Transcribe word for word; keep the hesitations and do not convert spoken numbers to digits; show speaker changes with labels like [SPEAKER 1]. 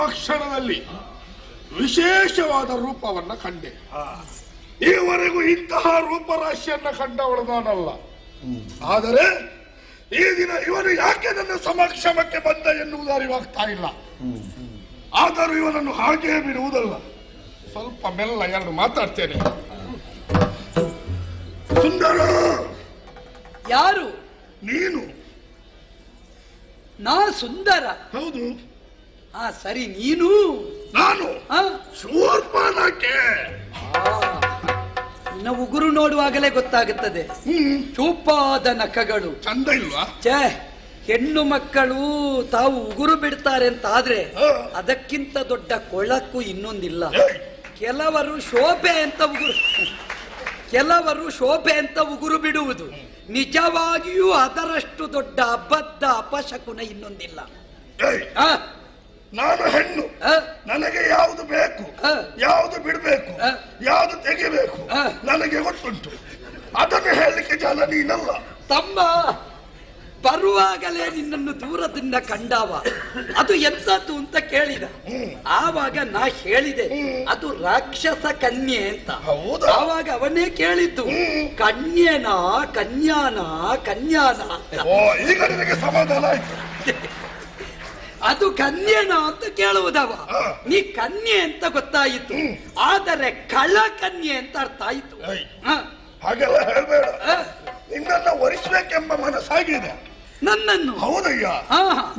[SPEAKER 1] ಕ್ಷಣದಲ್ಲಿ ವಿಶೇಷವಾದ ರೂಪವನ್ನ ಕಂಡೆ. ಈವರೆಗೂ ಇಂತಹ ರೂಪರಾಶಿಯನ್ನ ಕಂಡವಳು ನಾನಲ್ಲ. ಆದರೆ ಈ ದಿನ ಇವನು ಯಾಕೆ ನನ್ನ ಸಮಕ್ಷಮಕ್ಕೆ ಬಂದ ಎನ್ನುವುದು ಅರಿವಾಗ್ತಾ ಇಲ್ಲ. ಆದರೂ ಇವನನ್ನು ಹಾಗೆ ಬಿಡುವುದಲ್ಲ, ಸ್ವಲ್ಪ ಮೆಲ್ಲ ಎರಡು ಮಾತಾಡ್ತೇನೆ. ಸುಂದರ.
[SPEAKER 2] ಯಾರು?
[SPEAKER 1] ನೀನು.
[SPEAKER 2] ನಾ ಸುಂದರ?
[SPEAKER 1] ಹೌದು.
[SPEAKER 2] ಹಾ ಸರಿ, ನೀನು?
[SPEAKER 1] ನಾನು ಶೂರ್ಪನಖೆ.
[SPEAKER 2] ನಿನ್ನ ಉಗುರು ನೋಡುವಾಗಲೇ ಗೊತ್ತಾಗುತ್ತದೆ. ಚೂಪಾದ ನಖಗಳು
[SPEAKER 1] ಚಂದ ಇಲ್ವಾ?
[SPEAKER 2] ಛೇ, ಹೆಣ್ಣು ಮಕ್ಕಳು ತಾವು ಉಗುರು ಬಿಡ್ತಾರೆ ಅಂತ ಆದ್ರೆ ಅದಕ್ಕಿಂತ ದೊಡ್ಡ ಕೊಳಕು ಇನ್ನೊಂದಿಲ್ಲ. ಕೆಲವರು ಶೋಭೆ ಅಂತ ಉಗುರು ಕೆಲವರು ಶೋಭೆ ಅಂತ ಉಗುರು ಬಿಡುವುದು ನಿಜವಾಗಿಯೂ ಅದರಷ್ಟು ದೊಡ್ಡ ಅಬದ್ಧ ಅಪಶಕುನ ಇನ್ನೊಂದಿಲ್ಲ.
[SPEAKER 1] ನಾನು ಹೆಣ್ಣು, ನನಗೆ ಯಾವುದು ಬೇಕು, ಯಾವುದು ಬಿಡಬೇಕು, ಯಾವುದು ತೆಗಿಬೇಕು ನನಗೆ ಗೊತ್ತುಂಟು. ಅದನ್ನು ಹೇಳಲಿಕ್ಕೆ ಜನ ನೀನಲ್ಲ.
[SPEAKER 2] ತಮ್ಮ ಬರುವಾಗಲೇ ನಿನ್ನನ್ನು ದೂರದಿಂದ ಕಂಡವ, ಅದು ಎಂತದ್ದು ಅಂತ ಕೇಳಿದ. ಆವಾಗ ನಾ ಹೇಳಿದೆ ಅದು ರಾಕ್ಷಸ ಕನ್ಯೆ ಅಂತ. ಆವಾಗ ಅವನೇ ಕೇಳಿದ್ದು ಕನ್ಯೆನಾ ಕನ್ಯಾನ ಕನ್ಯಾನ ಅಂತ.
[SPEAKER 1] ಈಗ ನಿನಗೆ ಸಮಾಧಾನ ಆಯ್ತು.
[SPEAKER 2] ಅದು ಕನ್ಯೆನಾ ಅಂತ ಕೇಳುವುದವ. ನೀ ಕನ್ಯೆ ಅಂತ ಗೊತ್ತಾಯಿತು, ಆದರೆ ಕಳ ಕನ್ಯೆ ಅಂತ ಅರ್ಥ ಆಯಿತು.
[SPEAKER 1] ಹಾಗೆಲ್ಲ ಹೇಳ್ಬೇಡ. ನಿನ್ನನ್ನು ಒರಿಸಬೇಕೆಂಬ ಮನಸ್ಸಾಗಿದೆ
[SPEAKER 2] ನನ್ನನ್ನು.
[SPEAKER 1] ಹೌದಯ್ಯ.